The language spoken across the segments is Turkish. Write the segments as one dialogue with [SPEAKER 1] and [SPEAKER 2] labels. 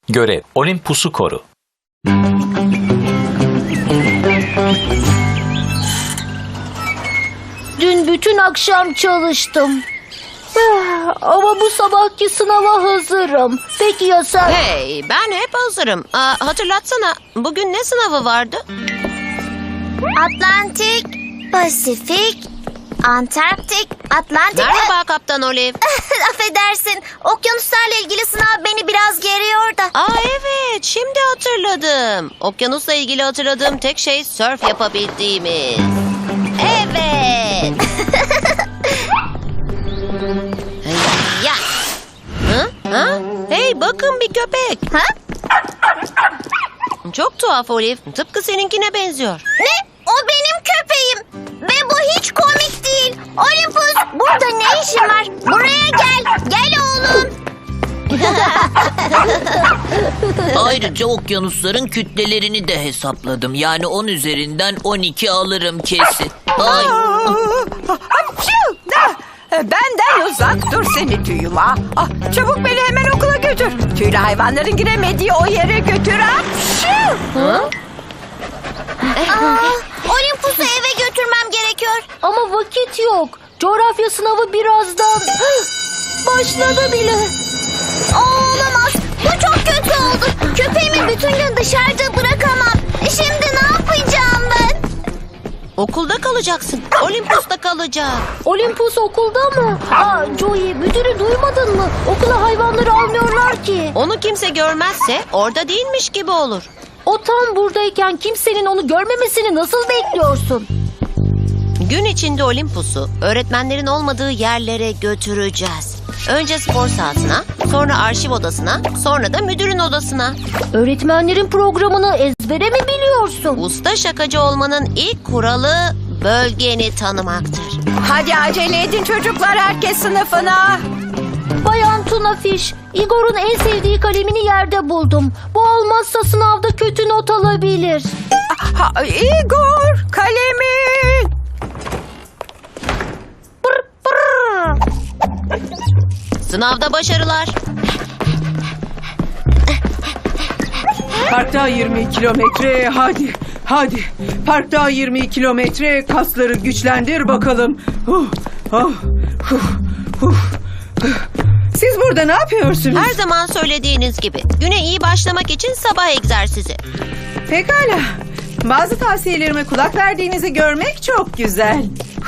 [SPEAKER 1] Görev: Olympus'u koru.
[SPEAKER 2] Dün bütün akşam çalıştım. Ama bu sabahki sınava hazırım. Peki ya sen?
[SPEAKER 3] Hey, ben hep hazırım. Hatırlatsana, bugün ne sınavı vardı?
[SPEAKER 4] Atlantik, Pasifik, Antarktik, Atlantik...
[SPEAKER 3] Merhaba Kaptan Olive.
[SPEAKER 4] Affedersin, okyanuslarla ilgili sınav beni biraz geriyor da.
[SPEAKER 3] Evet, şimdi hatırladım. Okyanusla ilgili hatırladığım tek şey sörf yapabildiğimiz. Evet. Ya. Ha? Hey, bakın bir köpek.
[SPEAKER 4] Ha?
[SPEAKER 3] Çok tuhaf Olive. Tıpkı seninkine benziyor.
[SPEAKER 4] Ne? O benim köpeğim. Ve bu hiç komik değil. Olympus, burada ne işin var? Buraya gel. Gel oğlum.
[SPEAKER 5] Ayrıca okyanusların kütlelerini de hesapladım. Yani 10 üzerinden 12 alırım kesin. Ay.
[SPEAKER 6] Benden uzak dur seni tüyüma. Çabuk beni hemen okula götür. Tüylü hayvanların giremediği o yere götür.
[SPEAKER 4] Olympus'u eve götürmem gerekiyor.
[SPEAKER 2] Ama vakit yok. Coğrafya sınavı birazdan başladı bile.
[SPEAKER 4] Olamaz. Bu çok kötü oldu. Köpeğimi bütün gün dışarıda bırakamam. Şimdi ne yapacağım ben?
[SPEAKER 3] Okulda kalacaksın. Olympus'ta kalacak.
[SPEAKER 2] Olympus okulda mı? Joey, müdürü duymadın mı? Okula hayvanları almıyorlar ki.
[SPEAKER 3] Onu kimse görmezse orada değilmiş gibi olur.
[SPEAKER 2] O tam buradayken kimsenin onu görmemesini nasıl bekliyorsun?
[SPEAKER 3] Gün içinde Olympus'u öğretmenlerin olmadığı yerlere götüreceğiz. Önce spor sahasına, sonra arşiv odasına, sonra da müdürün odasına.
[SPEAKER 2] Öğretmenlerin programını ezbere mi biliyorsun?
[SPEAKER 3] Usta şakacı olmanın ilk kuralı bölgeni tanımaktır.
[SPEAKER 6] Hadi acele edin çocuklar, herkes sınıfına.
[SPEAKER 2] Bayan Tuna Fiş, Igor'un en sevdiği kalemini yerde buldum. Bu olmazsa sınavda kötü not alabilir.
[SPEAKER 6] Igor, kalemin.
[SPEAKER 3] Sınavda başarılar.
[SPEAKER 7] Parkta 20 kilometre, hadi. Parkta 20 kilometre, kasları güçlendir bakalım. Siz burada ne yapıyorsunuz?
[SPEAKER 3] Her zaman söylediğiniz gibi güne iyi başlamak için sabah egzersizi.
[SPEAKER 7] Pekala. Bazı tavsiyelerime kulak verdiğinizi görmek çok güzel.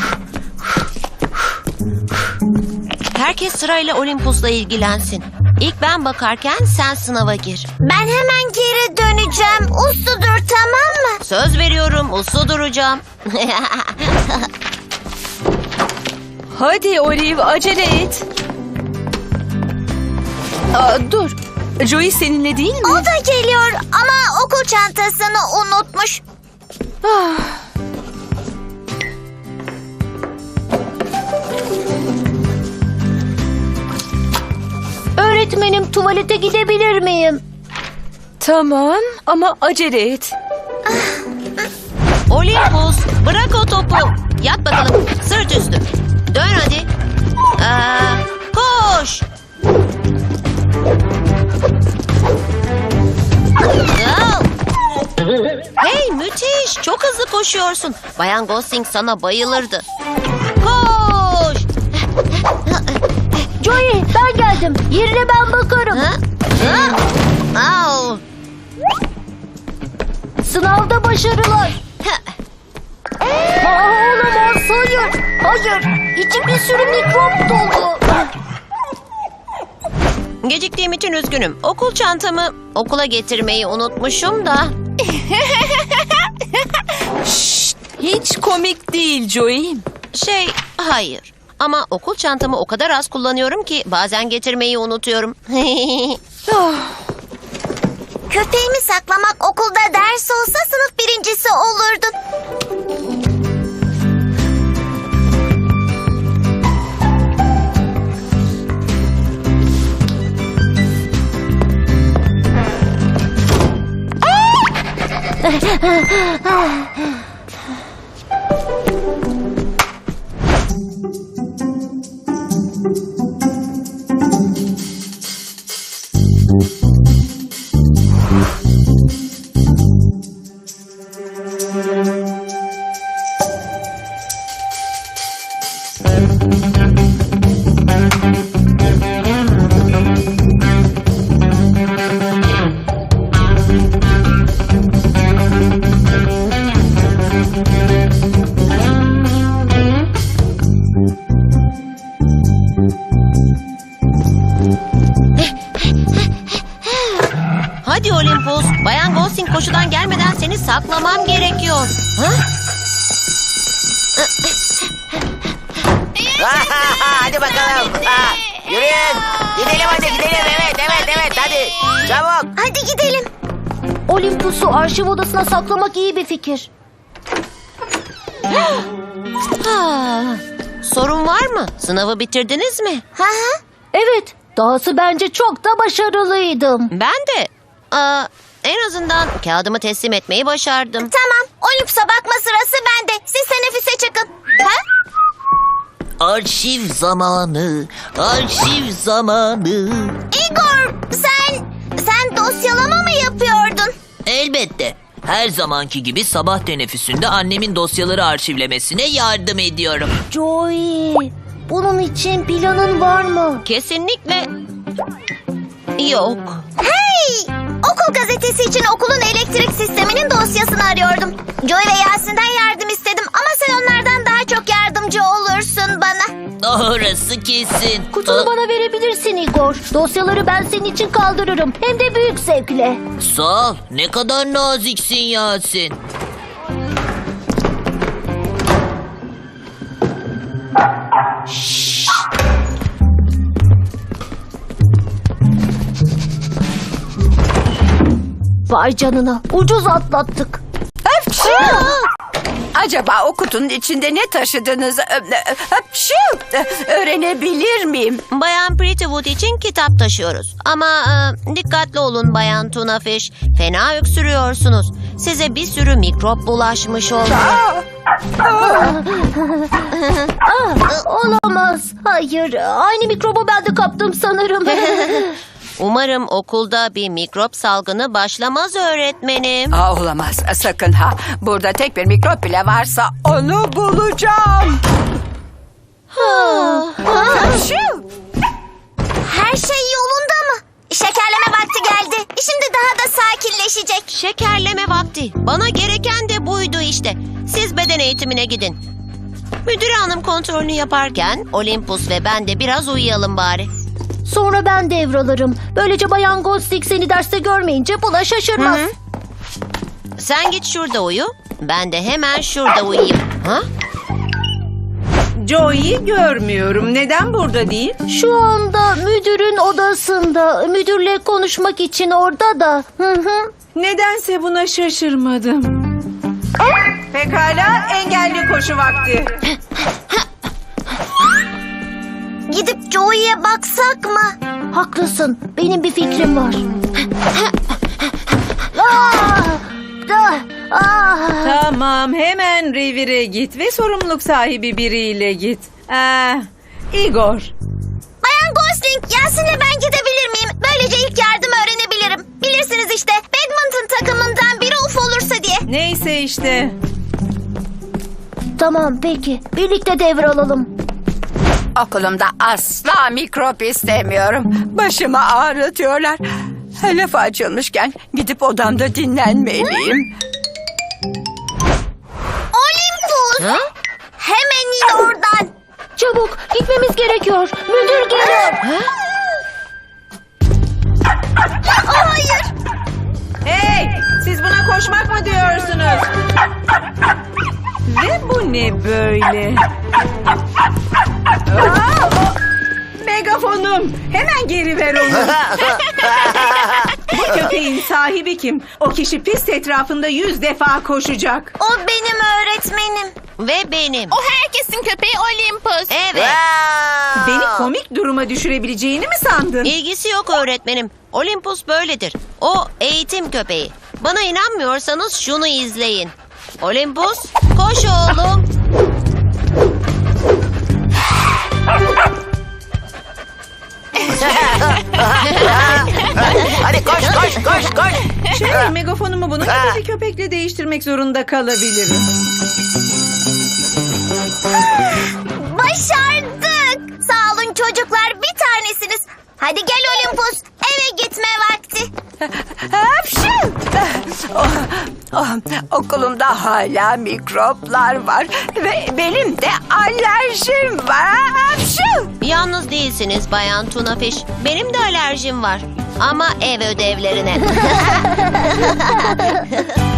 [SPEAKER 3] Herkes sırayla Olympus'la ilgilensin. İlk ben bakarken sen sınava gir.
[SPEAKER 4] Ben hemen geri döneceğim. Uslu dur, tamam mı?
[SPEAKER 3] Söz veriyorum, uslu duracağım.
[SPEAKER 8] Hadi Olive, acele et. Dur. Joey seninle değil mi?
[SPEAKER 4] O da geliyor ama okul çantasını unutmuş.
[SPEAKER 2] Öğretmenim, tuvalete gidebilir miyim?
[SPEAKER 8] Tamam ama acele et.
[SPEAKER 3] Olympus, bırak o topu. Yat bakalım, sırt üstü. Dön hadi. Koş. Hey, müthiş. Çok hızlı koşuyorsun. Bayan Gosling sana bayılırdı. Koş.
[SPEAKER 2] Joey, ben geldim. Yerine ben bakarım.
[SPEAKER 3] Au.
[SPEAKER 2] Sınavda başarılar. Olamaz, hayır. Hayır, içim bir sürü mikrop dolu.
[SPEAKER 3] Geciktiğim için üzgünüm. Okul çantamı okula getirmeyi unutmuşum da.
[SPEAKER 8] Hiç komik değil Joey.
[SPEAKER 3] Hayır. Ama okul çantamı o kadar az kullanıyorum ki bazen getirmeyi unutuyorum.
[SPEAKER 4] Köpeğimi saklamak okulda ders olsa sınıf birincisi olurdun.
[SPEAKER 3] saklamam gerekiyor. Ha?
[SPEAKER 1] Hadi bakalım. Ha, yürüyün. Gidelim hadi gidelim. Evet hadi. Çabuk.
[SPEAKER 4] Hadi gidelim.
[SPEAKER 2] Olympus'u arşiv odasına saklamak iyi bir fikir.
[SPEAKER 3] Ha, sorun var mı? Sınavı bitirdiniz mi?
[SPEAKER 4] Hı hı.
[SPEAKER 2] Evet, dahası bence çok da başarılıydım.
[SPEAKER 3] Ben de. En azından kağıdımı teslim etmeyi başardım.
[SPEAKER 4] Tamam. Olympus'a bakma sırası bende. Siz teneffüse çıkın. Ha?
[SPEAKER 5] Arşiv zamanı, arşiv zamanı.
[SPEAKER 4] Igor, sen dosyalama mı yapıyordun?
[SPEAKER 5] Elbette. Her zamanki gibi sabah teneffüsünde annemin dosyaları arşivlemesine yardım ediyorum.
[SPEAKER 2] Joey, bunun için planın var mı?
[SPEAKER 3] Kesinlikle yok.
[SPEAKER 4] Hey! Okul gazetesi için okulun elektrik sisteminin dosyasını arıyordum. Joy ve Yasin'den yardım istedim ama sen onlardan daha çok yardımcı olursun bana.
[SPEAKER 5] Orası kesin.
[SPEAKER 2] Kutunu bana verebilirsin Igor. Dosyaları ben senin için kaldırırım. Hem de büyük zevkle.
[SPEAKER 5] Sağ ol. Ne kadar naziksin Yasin.
[SPEAKER 2] Vay canına, ucuz atlattık.
[SPEAKER 6] Acaba o kutunun içinde ne taşıdığınızı öğrenebilir miyim?
[SPEAKER 3] Bayan Prettywood için kitap taşıyoruz. Ama dikkatli olun Bayan Tunafish. Fena öksürüyorsunuz. Size bir sürü mikrop bulaşmış olmalı.
[SPEAKER 2] Olamaz. Hayır, aynı mikrobu ben de kaptım sanırım.
[SPEAKER 3] Umarım okulda bir mikrop salgını başlamaz öğretmenim.
[SPEAKER 6] Olamaz sakın ha. Burada tek bir mikrop bile varsa onu bulacağım.
[SPEAKER 4] Her şey yolunda mı? Şekerleme vakti geldi. Şimdi daha da sakinleşecek.
[SPEAKER 3] Şekerleme vakti. Bana gereken de buydu işte. Siz beden eğitimine gidin. Müdür hanım kontrolünü yaparken Olympus ve ben de biraz uyuyalım bari.
[SPEAKER 2] Sonra ben devralırım. Böylece Bayan Ghostik seni derste görmeyince buna şaşırmaz.
[SPEAKER 3] Sen git şurada uyu. Ben de hemen şurada uyuyayım. Ha?
[SPEAKER 7] Joey'i görmüyorum. Neden burada değil?
[SPEAKER 2] Şu anda müdürün odasında. Müdürle konuşmak için orada da.
[SPEAKER 7] Nedense buna şaşırmadım. Pekala, engelli koşu vakti.
[SPEAKER 4] Gidip Joey'e baksak mı?
[SPEAKER 2] Haklısın. Benim bir fikrim var. Ah!
[SPEAKER 7] Tamam, hemen revire git ve sorumluluk sahibi biriyle git. Igor.
[SPEAKER 4] Bayan Gosling, Yasin'le ben gidebilir miyim? Böylece ilk yardım öğrenebilirim. Bilirsiniz işte, badminton takımından biri uf olursa diye.
[SPEAKER 7] Neyse işte.
[SPEAKER 2] Tamam peki. Birlikte devralalım.
[SPEAKER 6] Okulumda asla mikrop istemiyorum. Başımı ağrıtıyorlar. Lafı açılmışken gidip odamda dinlenmeliyim.
[SPEAKER 4] Olympus!
[SPEAKER 3] Ha?
[SPEAKER 4] Hemen in oradan.
[SPEAKER 2] Çabuk gitmemiz gerekiyor. Müdür geliyor.
[SPEAKER 4] Hayır.
[SPEAKER 7] Hey, siz buna koşmak mı diyorsunuz? Ve bu ne böyle? Megafonum. Hemen geri ver onu. Bu köpeğin sahibi kim? O kişi pist etrafında 100 defa koşacak.
[SPEAKER 4] O benim öğretmenim.
[SPEAKER 3] Ve benim.
[SPEAKER 4] O herkesin köpeği Olympus.
[SPEAKER 3] Evet.
[SPEAKER 7] Beni komik duruma düşürebileceğini mi sandın?
[SPEAKER 3] İlgisi yok öğretmenim. Olympus böyledir. O eğitim köpeği. Bana inanmıyorsanız şunu izleyin. Olympus, koş oğlum.
[SPEAKER 1] Hadi koş.
[SPEAKER 7] Megafonumu bunun gibi bir köpekle değiştirmek zorunda kalabilirim.
[SPEAKER 4] Başardık. Sağ olun çocuklar, bir tanesiniz. Hadi gel Olympus, eve gitme vakti.
[SPEAKER 6] Hapşu! Okulumda hala mikroplar var ve benim de alerjim var. Hapşu!
[SPEAKER 3] Yalnız değilsiniz Bayan Tunafish. Benim de alerjim var. Ama ev ödevlerine.